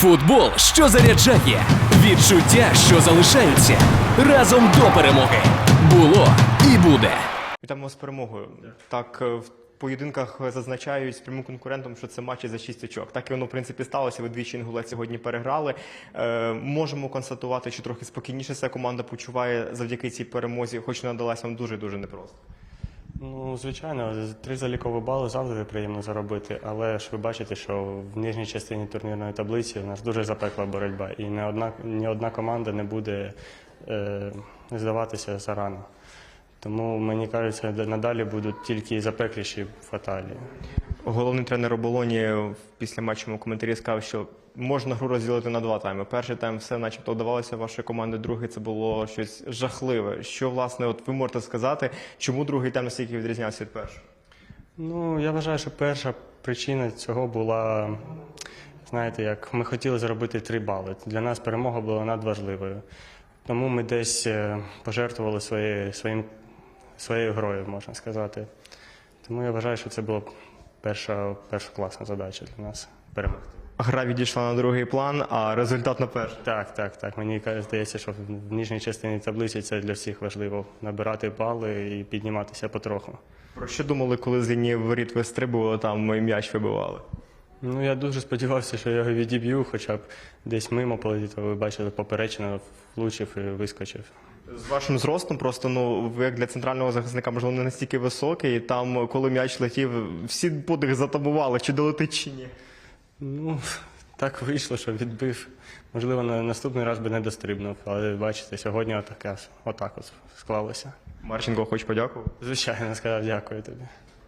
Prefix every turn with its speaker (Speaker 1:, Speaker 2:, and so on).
Speaker 1: Футбол, що заряджає, відчуття, що залишаються, разом до перемоги. Було і буде.
Speaker 2: Вітаємо з перемогою. Так, в поєдинках зазначають з прямим конкурентом, що це матчі за 6 очок. Так і воно, в принципі, сталося. Ви двічі Інгулець сьогодні переграли. Можемо констатувати, що трохи спокійніше ця команда почуває завдяки цій перемозі, хоч вона далась вам дуже-дуже непросто.
Speaker 3: Ну, звичайно, 3 залікові бали завжди приємно заробити, але ж ви бачите, що в нижній частині турнірної таблиці у нас дуже запекла боротьба, і ні одна команда не буде здаватися зарано. Тому, мені кажеться, надалі будуть тільки запекліші фаталії.
Speaker 2: Головний тренер оболоні в післяматчевому коментарі сказав, що можна гру розділити на 2 тайми. Перший тайм все начебто вдавалося вашої команди, другий це було щось жахливе. Що, власне, от ви можете сказати, чому другий тайм настільки відрізнявся від першого?
Speaker 3: Ну, я вважаю, що перша причина цього була, знаєте, як ми хотіли заробити 3 бали. Для нас перемога була надважливою. Тому ми десь пожертвували своєю грою, можна сказати. Тому я вважаю, що це була перша класна задача для нас – перемогти.
Speaker 2: Гра відійшла на другий план, а результат на перший.
Speaker 3: Так. Мені здається, що в нижній частині таблиці це для всіх важливо – набирати бали і підніматися потроху.
Speaker 2: Про що думали, коли з лінії воріт ви стрибували, там і м'яч вибивали?
Speaker 3: Ну, я дуже сподівався, що я його відіб'ю, хоча б десь мимо полетіти. Ви бачили, поперечина влучив і вискочив.
Speaker 2: З вашим зростом просто, ви як для центрального захисника, можливо, не настільки високий, і там, коли м'яч летів, всі подих затамували, чи долетить, чи ні.
Speaker 3: Ну, так вийшло, що відбив. Можливо, на наступний раз би не дострибнув, але бачите, сьогодні отак от склалося.
Speaker 2: Марченко, хочу подякувати.
Speaker 3: Звичайно, сказав дякую тобі.